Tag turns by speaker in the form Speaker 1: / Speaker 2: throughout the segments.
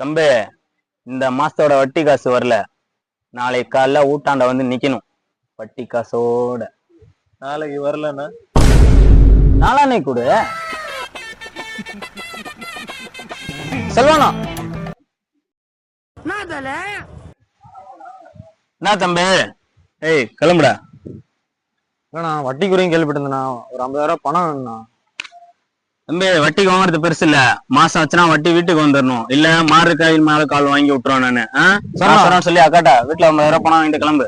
Speaker 1: தம்பி, இந்த மாசத்தோட வட்டி காசு வரல. நாளைக்கு காலைல ஊட்டாண்ட வந்து நிக்கணும் வட்டி காசோட.
Speaker 2: நாளைக்கு வரலன்னா
Speaker 1: நாளானே கூட செல்வானா. என்ன தம்பி? ஏய் கிளம்புடா.
Speaker 2: வட்டி குறையும் கேள்விப்பட்டிருந்தேண்ணா. ஒரு 50,000 பணம் வேணும்ண்ணா.
Speaker 1: தம்பி, வட்டிக்கு வாங்குறது பெருசு இல்ல. மாசம் ஆச்சுன்னா வட்டி வீட்டுக்கு வந்துடணும். இல்ல மாறு காயில் மேல கால் வாங்கி விட்டுருவோம் நானு. சொல்லி அக்காட்டா வீட்டுல 50,000 பணம் வாங்கிட்டு கிளம்பு.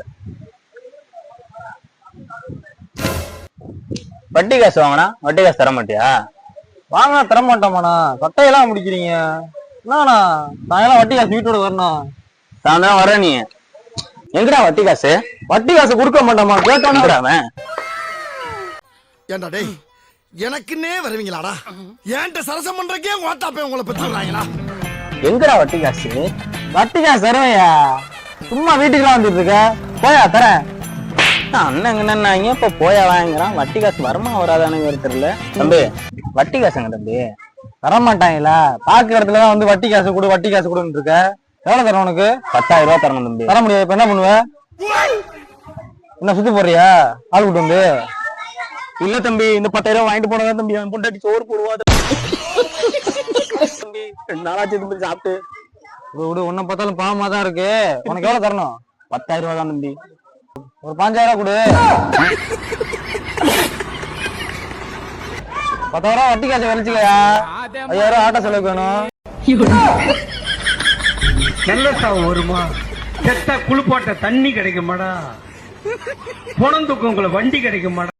Speaker 1: வட்டி காசு வாங்கினா வட்டி காசு தர மாட்டியா?
Speaker 2: வாங்கினா தர மாட்டோமாண்ணா. சட்டையெல்லாம் முடிக்கிறீங்க என்னண்ணா? சாயங்காலம் வட்டி காசு வீட்டோட வரணும்.
Speaker 1: சாயந்தரம் வர. நீ எங்கடா வட்டி காசு?
Speaker 2: வட்டி காசு கொடுக்க மாட்டோமா? கேட்டானே.
Speaker 3: ஏண்டா டேய், எனக்குன்னே வருவீங்களாடா? ஏன்ட்ட சரசம் பண்றக்கே ஓட்டாப்பே உங்களை பெற்றுறாங்களா?
Speaker 1: எங்கடா வட்டி காசு?
Speaker 2: வட்டி காசு தருவையா? சும்மா வீட்டுக்குலாம் வந்துட்டு இருக்க. போயா தரேன்.
Speaker 1: அண்ணன் என்னன்னாங்க இப்ப போயா வாங்குறான். வட்டி காசு வருமா வராதானு தெரியல. தம்பி, வட்டி காசுங்க தம்பி.
Speaker 2: தரமாட்டாங்களா? பாக்குற இடத்துலதான் வந்து வட்டி காசு கொடு வட்டி காசு கொடுன்னு இருக்க. எவ்வளவு தரணும் உனக்கு?
Speaker 1: 10,000 ரூபாய் தரணும் தம்பி.
Speaker 2: தர முடியாது. இப்ப என்ன பண்ணுவ? என்ன சுத்தி போறியா ஆள் கூட்டு வந்து?
Speaker 1: இல்ல தம்பி, இந்த 10,000 வாங்கிட்டு போனதான் தம்பி அவன் பொண்டாட்டி சோறு போடுவா. தம்பி 2 நாளாச்சு தம்பி சாப்பிட்டு.
Speaker 2: விடு, உன்னை பார்த்தாலும் பாவமா தான் இருக்கு. உனக்கு எவ்வளவு தரணும்?
Speaker 1: 10,000 ரூபாய் தான் தம்பி.
Speaker 2: ஒரு 5,000 கொடு. 10,000 வட்டி காசு வலிச்சுக்கயா. 5,000 ஆட்டோ செலவுக்கு வேணும்.
Speaker 4: நல்ல சாவு வருமா? செத்த குளிப்பாட்ட தண்ணி கிடைக்குமாடா? பொணந்துக்கு உங்களை வண்டி கிடைக்குமாடா?